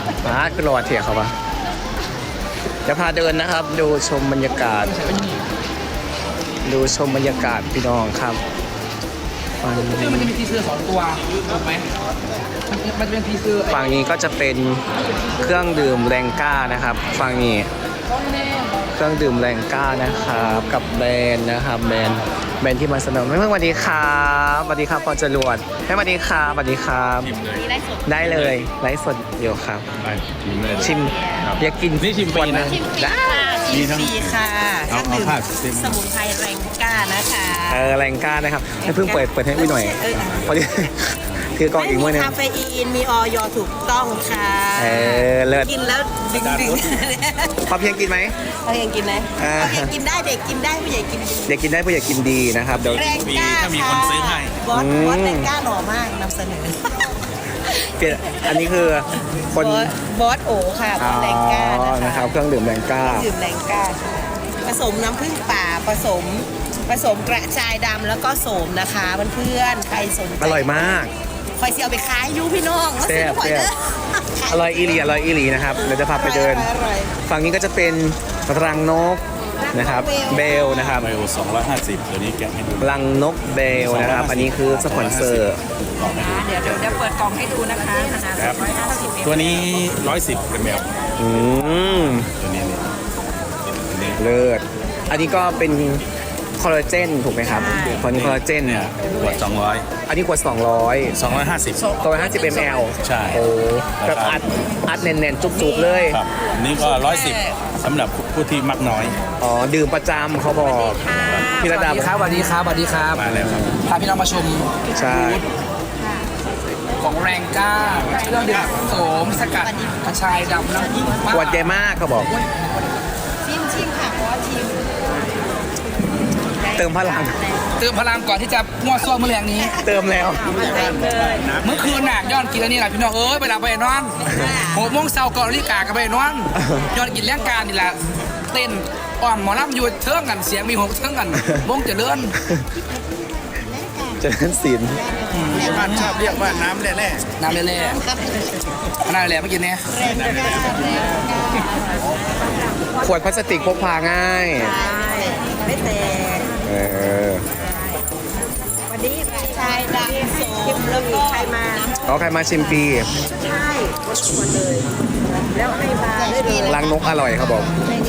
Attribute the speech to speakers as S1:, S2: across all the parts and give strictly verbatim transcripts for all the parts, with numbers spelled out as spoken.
S1: มากรอเถียเขาปะจะพาเดินนะครับ ดูชมบรรยากาศ ดูชมบรรยากาศพี่น้องครับฝั่ง
S2: ซึ่งมันจะมีทีเซอร์สองตัวถูกไหมมันจะเป็นทีเซอร์
S1: ฝั่งนี้ก็จะเป็นเครื่องดื่มแรงกล้านะครับฝั่งนี้เครื่องดื่มแรงกล้านะครับกับแบรนด์นะครับแบรนด์แบรนด์ที่มาเสนอแม่เพิ่งสวัสดีครับสวัสดีครับพอจรวดแม่สวัสดีครับสวัสดีครับได้เลยไลฟ์สดเดี๋ยวครับ
S3: ไปชิมเลย
S1: ชิมอยากกิน
S3: นี่ชิมฟรีนะ
S1: ขวดหงได้
S4: ชิมฟรีค่ะเค
S3: เอา
S4: รื่อง
S3: เอา
S4: ดื่ม
S3: ผ้าเต็ม
S4: สมุนไพรแรงกล้านะคะ
S1: เออแรงกล้านะครับให้เพิ่งเปิดเปิดให้อุ้ยหน่อย
S4: เออ
S1: พอดี คือกล้องอีก
S4: ไม่
S1: เมื่อ
S4: มี
S1: นึง
S4: คาเฟอีนมีออยถูกต้องค่ะ
S1: เออเลิศ
S4: กินแล้วดึงดึง
S1: พอเพียงกินไหม
S4: เขายังกินไหม
S1: อ่า
S4: เขายังกินได้เด็กกินได้ผู้ใหญ่กินดี
S1: อยากกินได้ผู้อยากกินดีนะครับเดี๋ยว
S4: แรงกล้า
S3: ถ้ามีคนซื้อให้
S4: บอส
S1: อืม
S4: บอสแรงกล้าหล่อมากนำเสนอ
S1: เปลี่ยนอันนี้คือคน
S4: บอสบอสโอค่ะบ
S1: อ๋
S4: อ
S1: อ
S4: สแรงกล้า
S1: นะ
S4: นะ
S1: ครั
S4: คะ
S1: บเครื่องดื่มแรงกล้า
S4: ดื่มแรงกล้าค่ะผสมน้ำผึ้งป่าผสมผสมกระชายดำแล้วก็โสมนะคะเพื่อนๆใครสนใจ
S1: อร่อยมาก
S4: คอยเสียเอาไปขายอยูพี่น้อง
S1: แซ่บ
S4: มาซื้อหน่อยเด้อ
S1: อร่อยอีหลีอร่อยอีหลีนะครับเดี๋ยวจะพาไปเดิน
S4: อร่อย
S1: ฝั่งนี้ก็จะเป็นรังนกนะครับเบลนะครับ
S3: ไบโอสองร้อยห้าสิบตัวนี้แกะให้ดู
S1: รังนกเบลนะครับ อันนี้คือสปอนเซอร์
S3: ลองให้ดู
S4: เดี๋ยวเดี๋ยวจะเปิดกล่องให้ดูนะคะขนาด
S3: ครับ
S4: ร้อยห้าสิบ
S3: ตัวนี้ร้อยสิบเป็นแมว
S1: อืม
S3: ตัวนี้นี่ตัวนี้
S1: เลิศอันนี้ก็เป็นคอลลาเจนถูกไหมครับตอนนี้คอลลาเจน
S3: เนี่ยขวดสองร้อย
S1: อันนี้ขวดสองร้อย
S3: สองร้อยห้าสิบ
S1: ตัวห้าสิบมล
S3: ใช่
S1: โอ้แบบอัดอัดแน่นๆ จุกๆเลย
S3: ครับอันนี้ก็ร้อยสิบสำหรับผู้ที่มักน้อย
S1: อ๋อ ดื่มประจำเขาบอกพี่ระดับ
S2: ครับสวัสดีครับสวัสดีครับ
S3: มาแล้วครับ
S2: พาพี่น้องมาชม
S1: ใช่
S2: ของแรงกล้าเครื่องดื่มโสมสกัดกระชายดำน้ำผึ้ง
S1: ขวดใหญ่มากเขาบอก
S4: ชิมชิมค่ะเพราะว่าชิม
S1: เติมพลัง
S2: เติมพลังก่อนที่จะมั่วซั่วเมื่อแรงนี้
S1: เติมแล้ว
S2: เมื่อคืนน่ะย้อนกินแล้วนี่แหละพี่น้องเอ้ยไปหลับไปนอนหกโมงเช้าก่อนนาฬิกาก็ไปนอนย้อนกินแรงการนี่แหละเต้นอ่อมหมอลำอยู่เทิงกันเสียงมีหกเทิงกันวงเจริญ
S1: เจริญศิลป์
S3: ที่บ้านชอบเรียกว่าน้ำแร่
S2: น้ำเล่ๆน้ำเล่ๆเมื่อกี้เนี่ย
S1: ขวดพลาสติกพกพาง่าย
S4: ไม่แตก
S1: เออ
S4: วันนี้กระชายดำโสมแล้วก็ใครมา
S1: เอาใครมาชิมฟรี
S4: ใช่ชวนเลย แล้วให้มาได้เลย
S1: รังนกอร่อยเขาบอก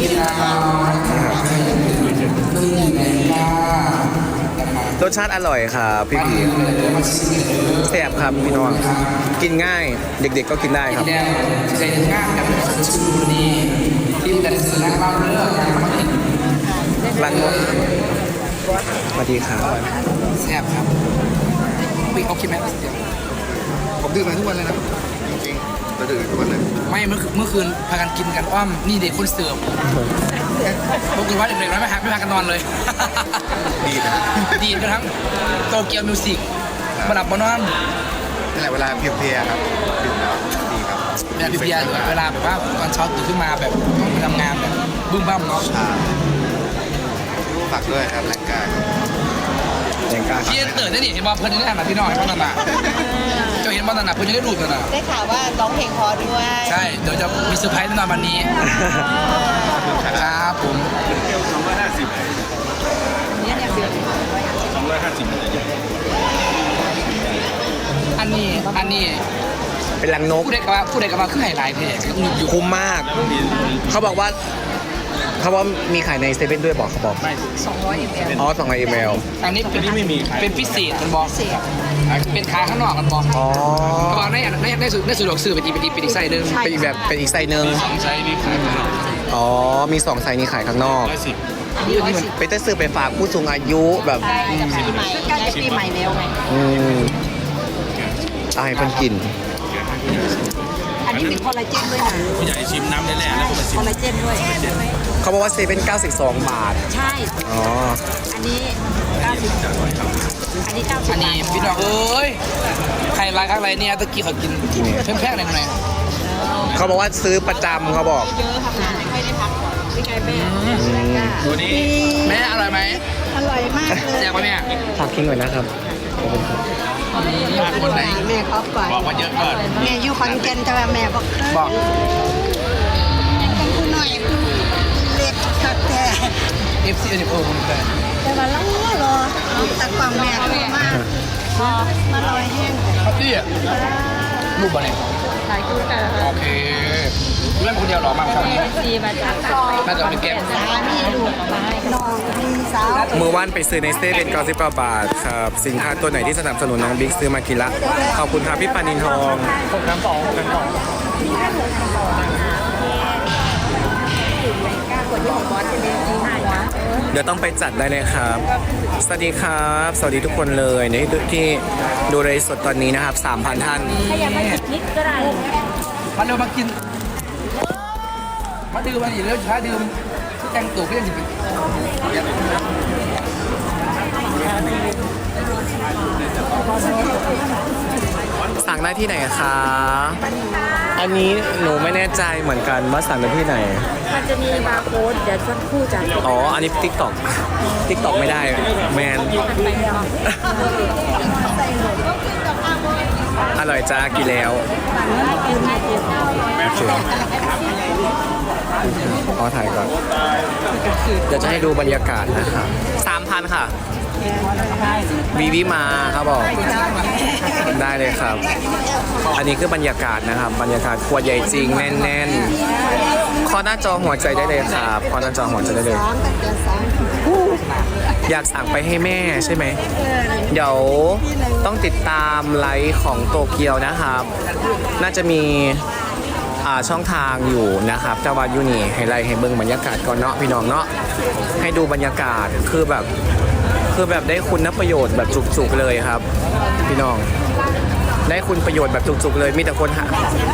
S1: รสชาติอร่อยครับพี่พีแซ่บครับพี่น้อง กินง่าย เด็กๆก็กินได้ครับ
S2: แดงใจงานกับชื่อนี้ที่แต่สนักเล่าเรื่องการมากิน
S1: รังนกสวัสดีครับ
S2: แซ่บครับปิ๊กเอาคิดไหม
S5: ผมดื่มมาทุกวันเลยนะจริงๆเราดื่มทุกวันเลย
S2: ไม่เมื่อเมื่อคืนพากันกินกันอ้อมนี่เด็กคนเสิร์ฟปรากฏว่าเด็กๆไม่พาไม่พากันนอนเลย
S5: ดีนะ
S2: ดีกันทั้งโตเกียวมิวสิกมาดับบนอน
S5: นี่แหละเวลาเพลียๆครับดื่มแล้วดีครับ
S2: เวลาพี่เบียร์เวลาแบบว่าตอนเช้าตื่นขึ้นมาแบบต้องไปทำงานแบบบึ้มบ้ามเนาะ
S5: ชาฝากด้วยครับแรงกาย
S1: แรงกล้าครับ
S2: พี่ตื่นได้ดิเห็นบอลเพื่อนได้หนาพี่น้องเห็นบอลหนาเจ้าเห็นบอลหนาเพื่อนจะได้ดูดกันนะ
S4: ได้ข่าวว่าร้องเพลงพอด้วย
S2: ใช่เดี๋ยวจะมีเซอร์ไพรส์แน่นอนวันนี้ครับผม
S3: สองร้อยห้าสิบ
S4: เนี่ยเนี่ยคือ
S3: สองร้อยห้าสิบมันจะใหญ่
S2: อันนี้อันนี้
S1: เป็นรังนก
S2: ผู้ใดกับว่าผู้ใดกับว่าคือไฮไลท์เพลงอยู่
S1: คุ้มมาก เขาบอกว่า เขาบอกมีขายในเซเว่นด้วยบอกเขาบอก
S4: สองร้อยมล
S1: อ๋อสองร้อยมล
S2: อันนี้เป็นไม่มีเป็นพิเศษมันบอกเป็นขาข้างนอกมันบอก
S1: อ๋อ
S2: เขาบอกในในในสุดในสุดดอกซื้อไปตีไปตีไปอีกไซส์หนึ่ง
S1: เป็นอีกแบบเป็นอีกไซส์หนึ่ง
S3: สองไซส์นี่ขายข้างนอก
S1: อ๋อ มีสองไซส์นี้ขายข้างนอก
S3: ร้อยสิบ
S1: ไปเต้ซื้อไปฝากผู้สูงอายุแบบ
S4: ใช่จะปีใหม่ใกล้จะปีใหม่แล้วไง
S1: อืมเอาให้เพิ่นกิน
S4: อันนี้มีคอลลาเจนด้วยนะ
S3: ผู้ใหญ่ชิมน้ำแร่ๆแล้วก็มาชิ
S4: ค
S3: ม
S4: อลลาเจนด้วย
S1: เขาบอกว่าเซเว่นเก้าสิบสองบาท
S4: ใช่
S1: อ๋อ
S4: อันนี้เก้าสิบอันนี้เก้าสิบ
S2: อันนี้พี่น้องเอ้ยใครรักอะไรเนี่ยตะกี้เขากินแพงๆหน่อยหน่อย
S1: เขาบอกว่าซื้อประจำเขาบอก
S4: เยอะทำงานไม่ค่อยได้พักผ่อนพี่ไก่แม่
S2: ตัวนี้แม่อร่อยไหม
S4: อร่อยมากเลย
S2: แจกปะเนี่ย
S1: ฝากทิ้งหน่อยนะครับ
S3: คนไหน
S6: แม่ขอก่อน
S3: บอกว่าเยอะก่อน
S6: แม่อยู่ขอนแก่นแต่ว่าแม่บอกเคย
S2: บอก
S6: เป็นผู้น้อยผู้เล็กสักแต่
S2: เอฟซีอันนี้โอ้ผมแต่
S6: แต่ว่าเรารอตะกว่างแม่โทรมามาลอยแห้ง
S2: ครับพี่รูปอะไร
S7: หลายคู่กัน
S2: โอเคเรื่องคนเดียวหรอมาครั้งนี้
S7: ดีมาจาก
S2: น่าจะเป็นแก้ม
S6: สามีลูกน้องพี่สาว
S1: มือว่านไปซื้อในเซเว่นเก้าสิบเก้าบาทครับ สินค้าตัวไหนที่สนับสนุนน้องบิ๊กซื้อมากินละ ขอบคุณครับพี่ปานินทอง
S2: หกน้ำสองหกน้ำสอง
S1: เดี๋ยวต้องไปจัดได้เลยครับ สวัสดีครับ สวัสดีทุกคนเลยในที่ดูเลยสดตอนนี้นะครับ สามพัน ท่าน
S7: ถ้าอยากมาจิบนิดก็ได้
S2: มาเร็วมากิน มาดื่มมาอีกเร็วช้าดื่มแต่งตัวเพื่อนจะเป็น
S1: สั่งได้ที่ไหนคะ อันนี้หนูไม่แน่ใจเหมือนกันว่าสั่งได้ที่ไหน
S7: มันจะมีบาร์โค้ดเดี๋ยวสักครู่จะ
S1: อ๋อ อันนี้ติ๊กต็อกติ๊กต็อกไม่ได้ แมน อร่อยจ้ากินแล้วขอถ่ายก่อน เดี๋ยวจะให้ดูบรรยากาศนะครับสามพันค่ะ วีวิมาครับบอก ได้เลยครับ อันนี้คือบรรยากาศนะครับ บรรยากาศขวดใหญ่จริงแน่นๆ ขอหน้าจอหัวใจได้เลยครับขอหน้าจอหัวใจได้เลย อยากสั่งไปให้แม่ใช่ไหม เดี๋ยวต้องติดตามไลฟ์ของโตเกียวนะครับ น่าจะมีอ่าช่องทางอยู่นะครับแต่ว่ายูนี่ให้ไลฟ์ให้เบิ่งบรรยากาศก่อนเนาะพี่น้องเนาะ ให้ดูบรรยากาศคือแบบคือแบบได้คุณประโยชน์แบบจุกๆเลยครับ พี่น้อง ได้คุณประโยชน์แบบจุกๆเลยมีแต่คนหา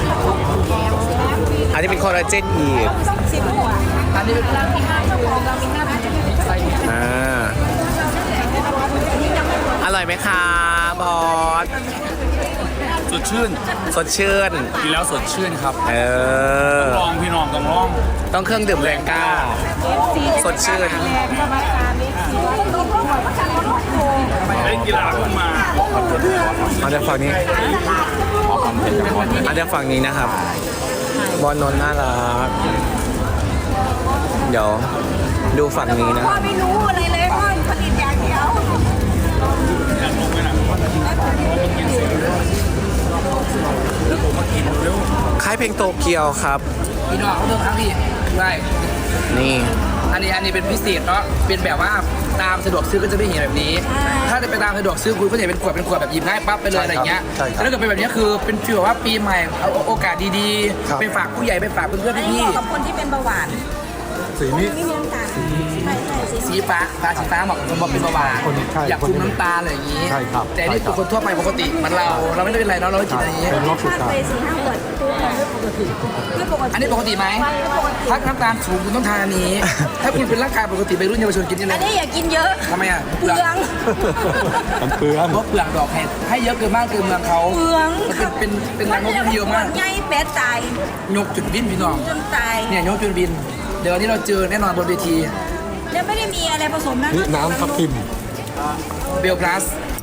S1: อันนี้เป็นคอลลาเจนอีก
S2: อันนี้เป็น
S1: อ่าอร่อยไหมคะบอส
S3: สดชื่น
S1: สดชื่น
S3: กินแล้วสดชื่นครับ
S1: เออ
S3: ลองพี่น้องต้องลอง
S1: ต้องเครื่องดื่มแรงกล้า สดชื่น
S3: ได้กีฬาขึ้นมา
S1: เอาจากฝั่งนี้เอาจากฝั่งนี้นะครับ บอลนนท์น่ารัก เดี๋ยวดูฝั่งนี้นะ
S6: ไม่รู้อะไรเลยพ่อผลิตอย่างเดียว
S1: ค่ายเพลงโตเกียวครับ
S2: พี่น้องเขาเพิ่มครั้งที่ได้
S1: นี่
S2: อันนี้อันนี้เป็นพิเศษเนาะ เป็นแบบว่าตามสะดวกซื้อก็จะไม่เห็นแบบนี้ ถ้าจะไปตามสะดวกซื้อคุณก็จะเห็นเป็นขวดเป็นขวดแบบหยิบง่ายปั๊บไปเลยอะไรเงี้ยแต่ถ้าเกิดเป็นแบบนี้คือเป็นฟีลแบบว่าปีใหม่เอาโอกาสดีๆ ไปฝากผู้ใหญ่ไปฝากเพื่อนๆพี่
S6: กับคนที่เป็นเบาหวาน
S5: สีนี้
S6: ไม่มีน้ำตาลใช่ใช่สี
S2: ๆสีฟ้าฟ้าสีฟ้าเหมาะกับคนบอกเป็นเบาหวาน
S5: คนใช่
S2: อยากคุมน้ำตาลอะไรอย่างนี้
S5: ใช่ครับ
S2: แต่นี่เป็นคนทั่วไปปกติเหมันเรา เราไม่ได้เป็นไรเนาะเราไม่กินอะไรอย่างนี้
S5: เป็นโรคสุด
S6: ถ้า
S5: ท้า
S6: ไป
S5: ย
S6: สี่ห้าขวดตัวไม่ปกติไม่ปกติ
S2: อันนี้ปกติไหมถ้าน้ำตาลสูงคุณต้องทานอันนี้ ถ้าคุณเป็นร่างกายปกติไปรุ่นเยาวชนกินนี่เล
S6: อัน
S2: ย
S6: นี้อย่ากินเยอะ
S2: ทำไมอ่ะ
S6: เปลือง
S5: มันเปลือง
S2: เพราะเปลือกดอกให้ให้เยอะเกินมากเกินเมืองเขา
S6: เปลือง
S2: มันเป็นเป็นเป็นรังนกที่เยอะมาก
S6: ใหญ่เป็ดตาย
S2: ยกจุดบินพี่น้อง
S6: จนตาย
S2: เนี่ยยกจุดบิน เดี๋ยววันนี้เราเจอแน่นอนบนเวที
S6: แล้วไม่ได้มีอะไรผสมนะ
S5: นี่น้ำทับทิม
S2: เบลพลัส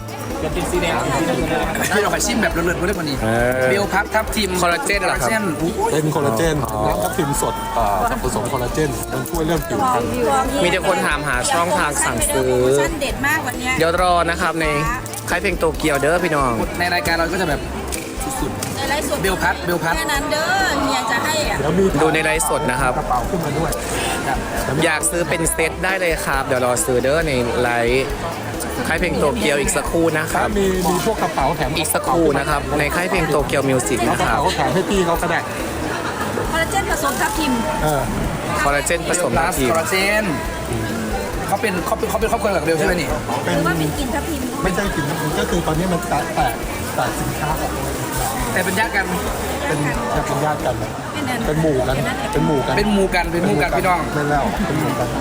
S2: ให้เราขอชิมแบบเลิศๆมาเรื่องกว่านี้
S1: เออ
S2: เบลพับทับทิม
S1: คอลลาเจนเหรอครับ
S2: คอลลาเจนอู้
S5: เป็นคอลลาเจนน้ำทับทิมสดอ่าผสมคอลลาเจน มันช่วยเรื่องผิวพรรณ
S1: มีแต่คนถามหาช่องทางสั่งซื้อ
S6: โปรโมชั่นเด็ดมากวันเนี้ย
S1: เดี๋ยวรอนะครับในค่ายเพลงโตเกียวเด้อพี่น้อง
S2: ในรายการเราก็จะแบบสุด
S6: ในไลฟ์สด
S2: เบลพัดเบลพัด
S6: แค่นั้นเด้อเฮียจะให้อ่ะ
S5: เดี๋ยวมี
S1: ดูในไลฟ์สดนะครับ
S5: กระเป๋าขึ้นมาด้วย
S1: อยากซื้อเป็นเซตได้เลยครับ เดี๋ยวรอซื้อเด้อในไลฟ์ค่ายเพลงโตเกียวอีกสักครู่นะค
S5: ถ้า
S1: รับ
S5: มีมีพวกกระเป๋าแถม
S1: อีกสักครู่นะครับ ในค่ายเพลงโตเกียวมิวสิก
S5: เอา
S1: นะ
S5: กระ
S1: ครับ
S5: เป๋าแถมให้พี่เขาก็ได้
S6: คอลลาเจนผสมทับทิม
S5: เออ
S1: คอลลาเจนผ
S2: เบ
S1: ส
S2: ล
S1: ม
S2: พลั
S1: ทับ
S2: ส
S1: ทิ
S2: ค
S1: ม
S2: อลลาเจนเขาเป็นเขาเป็นเขาเป็นครอบครัวกับเบลใช่ไหมนี่
S5: เป็
S6: ห
S5: น
S6: รือว่าเป็นกลิ่นทับทิม
S5: ไม่ใช่กลิ่นน้ำมันก็คือตอนนี้มันแตกแตกแตกสินค้าออกมา
S2: แต่เป็นญาติกัน
S5: เป็นแค่เป็นญาติกัน
S6: เป็นอัน
S5: เป็นหมู่กัน เป็นหมู่กัน
S2: เป็นหมูกันเป็นหมูกันพี่น้อง
S5: ไม่แล้วเป็นหมู่กัน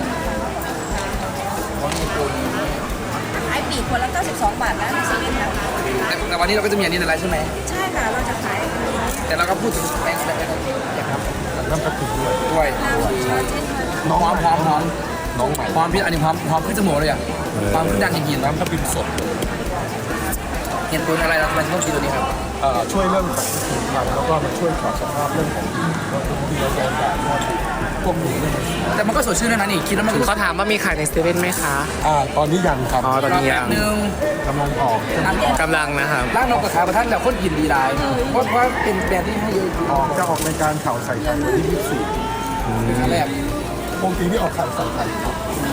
S6: ขายปีกคนละเก้าสิบสองบาทนะในเซเว่นนะคะ
S2: แต่แต่วันนี้เราก็จะมีอันนี้ในไลฟ์ใช่ไหม
S6: ใช่ค่ะ เราจะขาย
S2: แต่เราก็พูดถึงแองแ
S5: น้ำทับทิมด้วย
S2: ด้วย
S5: น้อง
S2: หอมหอมหอม
S5: น้องใหม่
S2: หอมพี่อันนี้หอมหอมขึ้นจมูกเลยอ่ะหอมขึ้นดังจริงๆ
S5: น้ำทับทิมสด
S2: เหตุผลอะไรเราทำไมถึงต้องกินตัวนี้ครับ
S5: เอ่อช่วยเรื่องสารผิวพรรณแล้วก็มาช่วยปรับสภาพเรื่องของผิวแล้วก็ที่เราโดนแดดมอดพวกนี้เนี่ย
S2: แต่มันก็สดชื่นแล้วนะนี่กินแล้วมันก็
S1: เขาถามว่ามีขายในเซเว่นไหมคะ
S5: อ่าตอนนี้ยังครับ
S1: อ๋อตอนนี้
S2: แบ
S1: ยั
S2: บ
S1: ง
S2: นึง
S5: กำลังออก
S1: กำลังนะครับ
S2: ร้านนกกระทาประทัดแล้วคนกินดีหลายเพราะว่าเป็นแบรนด์ที่ให้เยอะ
S5: ออกจะออกในการข่าวใส่ไข่วันที่ยี่สิบสี่
S2: เป็นครั้งแรก
S5: ปกติที่ออกข่าวใส่ไข่ครับ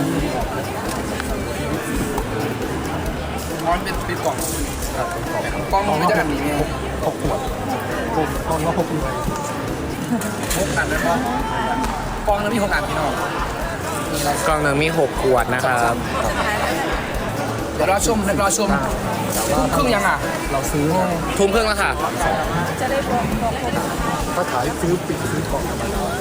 S2: ร้อนเป็นเป็นกล่อง
S5: ครับเป็น
S2: กล่อง
S5: กล่อง
S2: มัน
S5: ละ
S2: จะ
S5: ห
S2: แบบ
S5: ก
S2: นี้ไง
S5: หกขวดหกกล่องละหกหน่วย
S2: หกอันแล้วก็กล่องแล้วมีหกอันพี่น้อง
S1: กล่องหนึ่งมีหกขวดนะครับ
S2: เดี๋ยวรอชมเดี๋ยวรอชมครึ่งยังอ่ะ
S5: เราซื้อเนี่ย
S1: ทุ่มครึ่งแล้วค่ะ
S5: ก็ขายซื้อปิดซื้อกล่องธรรมดา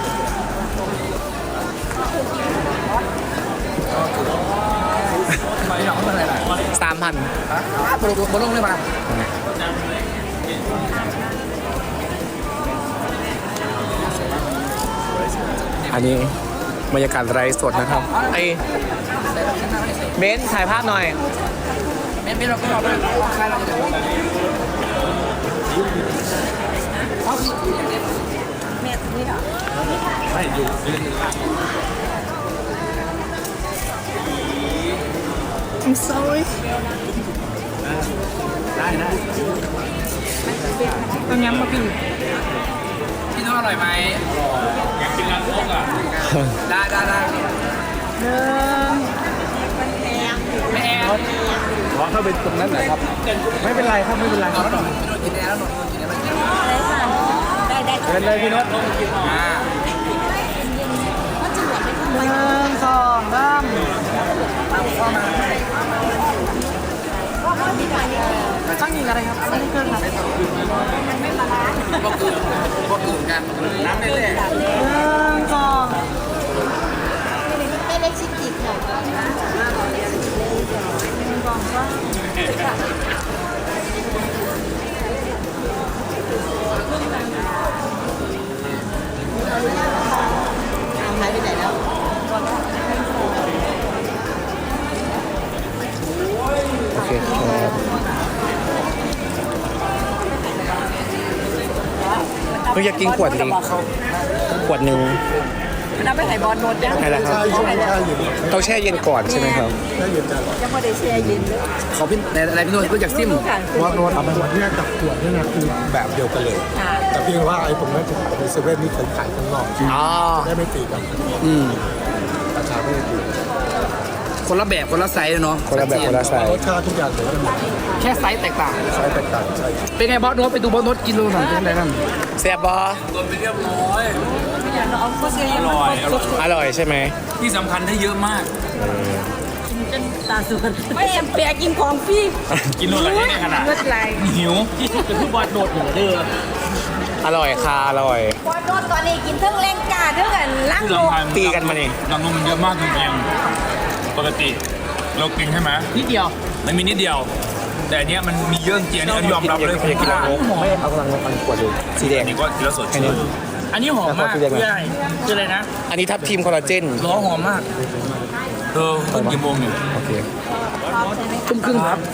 S2: มาพี่น้องเขาเป็นอะไรล่ะ
S1: สามพัน
S2: ฮะบนลงบนลงเลยมา
S1: อันนี้บรรยากาศไร้สดนะครับไอเบนซ์ถ่ายภาพหน่อย
S2: ไม่ไม่เราก็รอด้วยใครเราจะดูเอาสิ
S3: ให้อยู่
S1: I'm sorry
S3: ได้ได้
S2: ต้มยำมาพี่พี่น้องอร่อยไหม
S3: อยากกินร้านโลกอ่ะ
S2: ได้ได้ได้ไม่แอน
S5: ขอเข้าไปตรงนั้นหน่อยครับ ไม่เป็นไรครับไม่เป็นไร
S2: เอาแล้วหน่อยพี่น้องกินแอนแล้วหน่อยกินแอนแล้วกิน
S6: ได้ได้
S5: เดินเลยพี่นศ
S2: อ่า
S6: หนึ่งสองสาม
S2: เข้ามา
S6: ต้องยิงอะไรครับไม่ได้เครื่องครับ
S2: พวกอื่นพวกอื่นกันน้ำได้เลย
S6: หนึ่งสองไม่เล็กชิคกี้หน่อยหนึ่งสองสามหายไปไหนแล้ว
S1: โอเคครับเฮ้ยอยากกินขวดนี้ขวดหนึ่ง
S6: น้ำไปไหนบอลโนดยัง
S1: ใช่แล้วครับ
S5: ใช่ช่วงแช่เย็น
S1: ต้องแช่เย็นก่อนใช่ไหมครับ
S5: แช่เย็นจะ
S6: ยังไม่ได้แช่เย็นเลย
S2: ขอพี่อะไรพี่โน้ตรู้จักซิม
S5: ว่าโน้ตเอาขวดเนี่ยกับขวดเนี่ยนะคือแบบเดียวกันเลย
S6: ค่ะ
S5: แต่เพียงว่าไอ้ตรงนั้นจะขายในเซเว่นนี่เคยขายข้างนอก
S1: อ๋อ
S5: ได้ไม่ตีกัน
S2: อืม
S5: ราคาไม่ได้ตี
S2: คนละแบบคนละไซส์เนาะ
S1: คนละแบบคนละไซ
S5: ร
S1: ส์
S5: สชาติทุกอย่างเหมือนกันหมด
S2: แค่ไซส์แตกต่าง
S5: ใช้แตกต่างใช่
S2: เป็นไงบอสโน้ตไปดูบอสโน้ตกินโลหน่อยเป็นไงนั่น
S1: แซ่บบอ
S3: ตัวไปเรียบร้อย
S6: เอาก็เสีย
S3: อร่อยอร่อย
S1: อร่อยใช่ไหม
S3: ที่สำคัญได้เยอะมาก
S6: จนตาสุดไม่แอมเปียกินของพี่
S3: กินโลละเท่เนี่ยขนาด
S6: เลือดไหล
S3: หิวที่สุดเป็นผู้บอลโดดหัวเด้อ
S1: อร่อยค่ะอร่อย
S6: บอลโดนตอนนี้กินเท่งแรงกาเท่งกันล่าง
S3: ที่
S6: โล
S3: สำคัญ
S1: ตีกันมานี่
S3: น้ำนมมันเยอะมากจริงๆปกติเรากินใช่ไหม
S2: นิดเดียว
S3: มันมีนิดเดียว แต่อันเนี้ยมันมีเยอะจริงอันนี้อันนี้ยอมรับเลย
S1: อยากกินอะไรไม่เอากำลังอันขวดดูสีแดง
S3: อันนี้ก็กินแล้วสดชื่น
S2: อันนี้หอมมาก
S1: แล้วขอทุเรียนหน่อย
S2: คืออะไรคืออะไรนะ
S1: อันนี้ทับทีมคอลลาเจน
S2: ล้อหอมมาก
S3: เออขึ้นกี่โมงเนี่ย
S1: โอเค
S2: ทุ่มครึ่งครับ